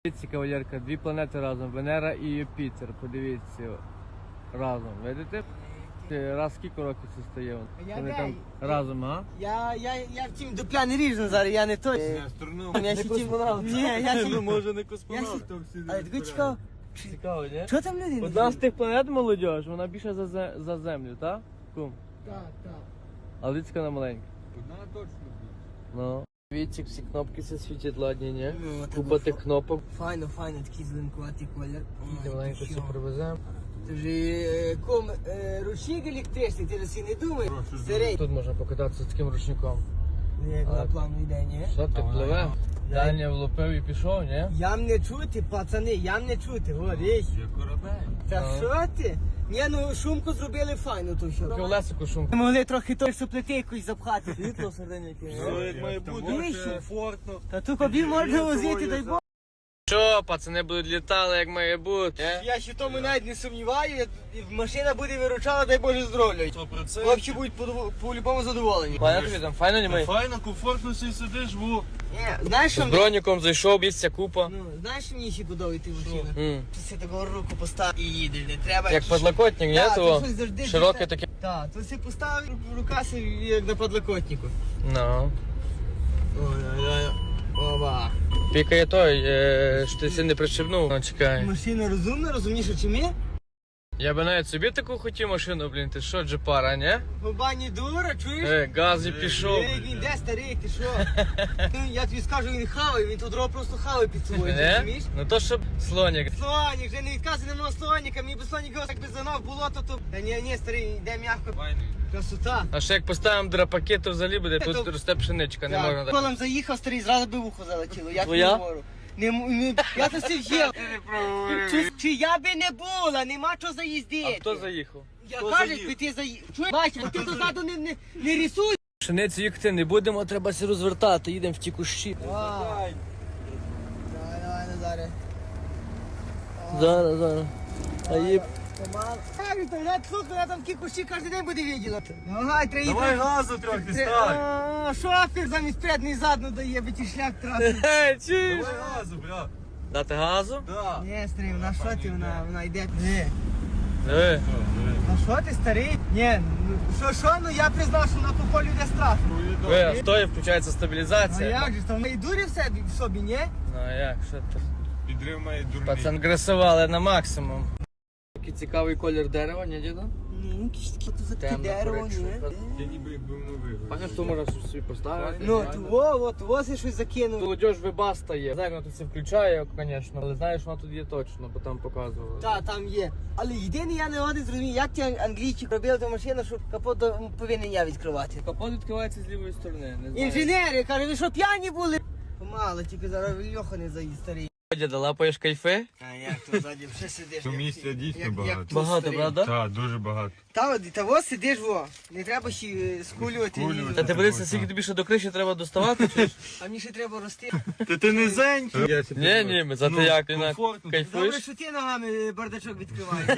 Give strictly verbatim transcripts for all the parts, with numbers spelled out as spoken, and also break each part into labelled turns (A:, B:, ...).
A: Дивіться, кавалерка, дві планети разом, Венера і Юпітер, подивіться разом, видите? Раз скільки років це стає? Вони там разом, а?
B: Я, я, я втім дупля не ріжу зараз, я не той.
A: Не
B: Я ще втім... Ні, я ще...
A: Ну, може не
B: Я
A: космонавт.
B: ще... Але таке цікаво.
A: Цікаво, ні?
B: Що там люди?
A: Одна з тих планет, молодіж, вона більше за, зе- за землю, так? Кум?
B: Так, так.
A: А людська на маленька.
C: Одна точно буде.
A: Ну. Дивіться, всі кнопки все світять ладні, ні?
B: Ну, так
A: Купа
B: от.
A: тих кнопок.
B: Файно, файно, такий зеленкуватий колір.
A: Ти маленько все привеземо.
B: Ти вже е, ком е, ручник електричний, ти ж не думаєш? Старий.
A: Тут можна покататися з таким ручником.
B: Як
A: А-
B: на плану йде, ні?
A: Що ти пливе? Даня влупив і пішов, ні?
B: Ям не чути, пацани, ям не чути, о, річ.
C: Є корабель.
B: Та
A: Ну.
B: що ти? Ні, ну шумку зробили файно, то що.
A: Колесико шумку.
B: Ми могли трохи той суплети якусь запхати. Світло всередині.
C: Все як має бути,
B: Вище.
C: комфортно.
B: Та ту кобі можна возити, дай Бог.
A: Що, пацани будуть літали, як має бути?
B: Я ще в тому навіть не сумніваю, і машина буде виручала, дай Боже здоров'я.
C: сто процентів.
B: Хлопці будуть по- по-любому задоволені.
A: Пане тобі там файно німей?
C: Файно, комфортно си сидиш, во.
B: Ні, знаєш, що
A: З
B: мені?
A: броніком зайшов, місця купа.
B: Ну, знаєш, що мені ще подобається машина?
A: М.
B: Ти такого руку поставив і їдеш, не треба.
A: Як подлокотник, ні?
B: Так,
A: Того
B: то щось завжди
A: широке
B: десь-
A: таке.
B: Так, то си поставив рука си, як на подлокотнику.
A: Ну.
B: Ой-ой-ой. Оба.
A: Пікає той, е, що ти си не прищепнув. Ну, чекай.
B: Машина розумна, розумніша, чи ми?
A: Я би навіть собі таку хотів машину, блін, ти що, джепара, ні?
B: Баба не дура, чуєш?
A: Е, газ і пішов.
B: Ей, він де старий, ти що? Ну, я тобі скажу, він хаває, він тут дрова просто хаває під собою, ти
A: Не?
B: розумієш?
A: Ну то щоб слонік.
B: Слонік, вже не відказуй на мого слоніка, мені би слонік його так би занав болото, то... Та ні, ні, старий, йде м'яко,
C: Файно.
B: красота.
A: А ще як поставимо драпаки, то взагалі буде,
B: Та
A: тут
B: то-
A: росте пшеничка, не можна
B: Так,
A: так.
B: колом заїхав, старий, зразу би вухо залетіло, я тобі
A: Твоя?
B: говорю. Не, м- не, я то все в'їв. Чи, чи я би не була, нема чого
A: А
B: заїздити.
A: хто заїхав?
B: Я
C: Хто
B: кажуть,
C: заїхав?
B: би ти заїхав. Чуєш, бачиш, а ти то ззаду не, не, не рисуй.
A: Пшеницю їхати не будемо, треба се розвертати, їдемо в ті кущі.
B: Давай, давай, Назаре.
A: Зараз, зараз. А їм...
B: Помал. Так, Віталій, слухай, я там ті кущі кожен день буде виділа. Давай, треба
C: Давай
B: їхати.
C: газу трохи
B: Тре-
C: стань.
B: А, Шофер замість передний задну дає, би ті шлях трапив.
A: Е, чуєш?
C: Давай газу, брат.
A: Дати газу?
C: Да.
B: Ні, старий, вона що ти, вона, вона йде. Ні.
A: Диви.
B: Ну що ти, старий? Ні, ну що, що, ну я признав, що на по полю йде страшно.
A: Ви, а стоїть, включається
B: А
A: стабілізація.
B: як же, то і дурі в собі, в собі, ні?
A: Ну а як, що ти?
C: Підрив має дурний.
A: Пацан гресували на максимум. Такий цікавий колір дерева, ні, діда?
B: Ну, якісь такі то за таке
A: Темно,
B: дерево,
A: коричневе.
B: ні?
C: Я ніби якби новий.
A: Паня, що можна собі поставити?
B: Ну, во, от, во си щось закинув.
A: Молодіж вибаста є. Знаю, вона тут це включає, звісно, але знаєш, вона тут є точно, бо там показували.
B: Та, там є. Але єдине я не один зрозумів, як ті англійці робили ту машину, що капот до- повинен я відкривати.
A: Капот відкривається з лівої сторони, не знаю.
B: Інженери, каже, ви що п'яні були? Помало, тільки зараз Льоха не заїзд старий.
A: Діда, лапаєш кайфи?
B: А як то ззаді вже сидиш?
C: То
B: як-
C: місця дійсно
B: як-
C: багато.
B: як тут
A: Багато,
B: старий.
A: правда?
C: Так, дуже багато.
B: Та, от, та ось сидиш, во. Не треба ще е, скулювати.
C: Скулювати.
B: ні.
A: Та ти берися, скільки тобі ще до криші треба доставати, чи ж?
B: А мені ще треба рости.
C: Та ти низенький.
A: Ні, ні, ми зате
C: Ну,
A: як, ти на-
C: комфортно.
B: Добре,
A: кайфуєш?
B: що ти ногами бардачок відкриваєш.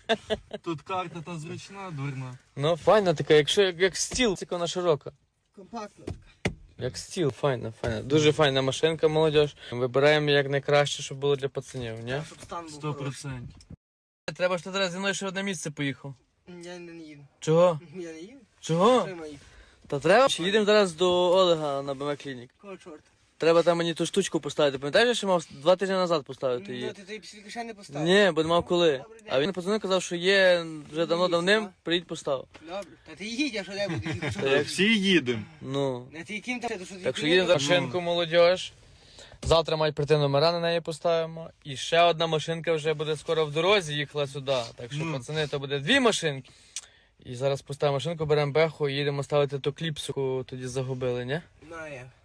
C: Тут карта та зручна, дурна.
A: Ну, файна така, якщо як, як стіл, тільки вона широка.
B: Компактно.
A: Як стіл, файна, файна. Дуже файна машинка, молодіж. Вибираємо як найкраще, щоб було для пацанів, ні?
B: Щоб стан був
C: Сто
B: хороший.
C: процентів.
A: Треба ж ти зараз зі мною ще в одне місце поїхав.
B: Я не їду.
A: Чого?
B: Я не їду.
A: Чого?
B: Що мої?
A: Та треба. Ще їдемо зараз до Олега на БМ Клінік.
B: Кого чорта?
A: Треба там мені ту штучку поставити. Пам'ятаєш, я ще мав два тижні назад поставити
B: Ну,
A: її?
B: ти тобі після ще не поставив.
A: Ні, бо не мав коли.
B: Добрий день.
A: А він позвонив, казав, що є вже давно
B: Місяць,
A: давним,
B: а?
A: приїдь постав.
B: Добре. Та ти їдь, а що де будеш їхати?
A: Та як-
C: Всі їдемо.
A: Ну.
B: Не ти яким там? То що ти
A: Так що
B: приїдеш?
A: їдемо за машинку, молодіж. Завтра мають прийти номера, на неї поставимо. І ще одна машинка вже буде скоро в дорозі, їхала сюди. Так що,
C: Ну.
A: пацани, то буде дві машинки. І зараз поставимо машинку, беремо беху і їдемо ставити ту кліпсу, яку тоді загубили, ні?
B: Ну, а як?